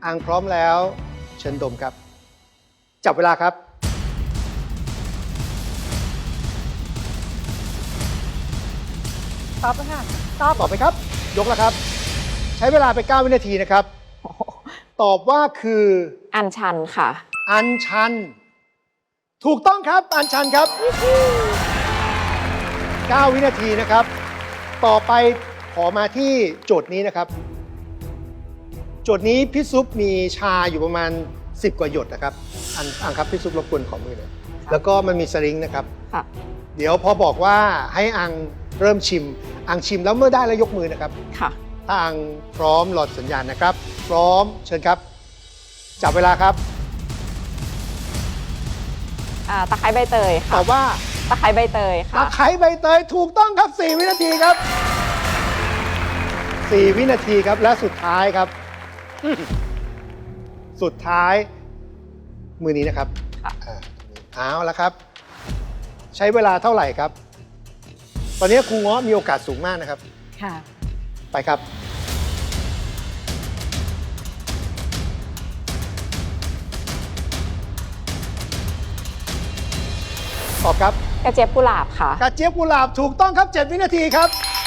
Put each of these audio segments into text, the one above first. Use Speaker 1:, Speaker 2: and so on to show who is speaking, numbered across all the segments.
Speaker 1: อังพร้อมแล้วเชิญดมครับจับเวลาครับ
Speaker 2: ตอบแล้วค่ะ
Speaker 1: ตอบไหมครับยกแล้วครับใช้เวลาไป9 วินาทีนะครับตอบว่าคือ
Speaker 3: อัญชันค่ะ
Speaker 1: อัญชันถูกต้องครับอัญชันครับ9 วินาทีนะครับต่อไปขอมาที่โจทย์นี้นะครับโจทย์นี้พี่ซุปมีชาอยู่ประมาณ10 กว่าหยดนะครับอังครับพี่ซุปรบกวนขอมือหน่อยแล้วก็มันมีสลิงนะครับ
Speaker 3: ค่ะ
Speaker 1: เดี๋ยวพอบอกว่าให้อังเริ่มชิมอังชิมแล้วเมื่อได้แล้วยกมือนะครับ
Speaker 3: ค่ะ
Speaker 1: ถ้าอังพร้อมหลอดสัญญาณนะครับ พร้อมเชิญครับจับเวลาครับ
Speaker 3: ตะไคร้ใบเตย
Speaker 1: ต
Speaker 3: ค่ะ
Speaker 1: อบว่า
Speaker 3: ตะไคร้ใบเตย
Speaker 1: ตะ
Speaker 3: ค่ะ
Speaker 1: ไคร้ใบเตยถูกต้องครับ4 วินาทีครับ4 วินาทีครับและสุดท้ายครับ สุดท้ายมือนี้นะครับ
Speaker 3: ค่ะ
Speaker 1: เอาละครับ ใช้เวลาเท่าไหร่ครับ ตอนนี้ครูเงาะมีโอกาสสูงมากนะครับ
Speaker 2: ค่ะ
Speaker 1: ไปครับตอบครับ
Speaker 3: กระเจี๊ยบกุหลาบค่ะ
Speaker 1: กระเจี๊ยบกุหลาบถูกต้องครับ7 วินาทีครับ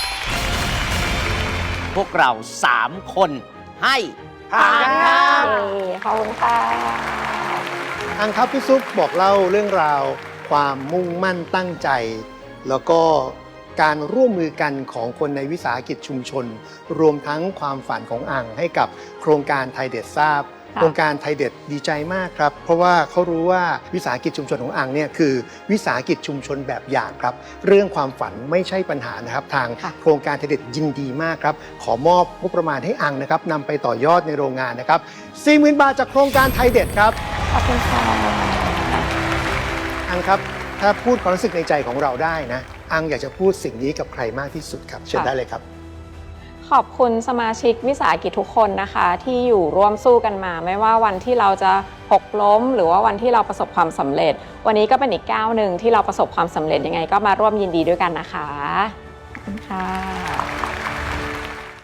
Speaker 4: พวกเรา3 คนให้
Speaker 1: ผ่านกันครับ
Speaker 3: ขอบคุณค่ะ
Speaker 1: อังครับพี่ซุปบอกเล่าเรื่องราวความมุ่งมั่นตั้งใจ แล้วก็การร่วมมือกันของคนในวิสาหกิจชุมชน รวมทั้งความฝันของอังให้กับโครงการไทยเด็ดทราบ โครงการไทยเด็ดดีใจมากครับ เพราะว่าเขารู้ว่าวิสาหกิจชุมชนของอังเนี่ยคือวิสาหกิจชุมชนแบบอย่างครับ เรื่องความฝันไม่ใช่ปัญหานะครับ ทาง
Speaker 3: ค่ะ
Speaker 1: โครงการไทยเด็ดยินดีมากครับ ขอมอบงบประมาณให้อังนะครับนำไปต่อยอดในโรงงานนะครับ 40,000 บาทจากโครงการไทยเด็ดครับ
Speaker 3: ขอบคุณค่ะ
Speaker 1: อังครับ ถ้าพูดความรู้สึกในใจของเราได้นะ อังอยากจะพูดสิ่งนี้กับใครมากที่สุดครับ เชิญได้เลยครับ
Speaker 3: ขอบคุณสมาชิกวิสาหกิจทุกคนนะคะ ที่อยู่ร่วมสู้กันมา ไม่ว่าวันที่เราจะหกล้ม หรือว่าวันที่เราประสบความสำเร็จ วันนี้ก็เป็นอีกก้าวหนึ่งที่เราประสบความสำเร็จยังไงก็มาร่วมยินดีด้วยกันนะคะขอบคุณค่ะ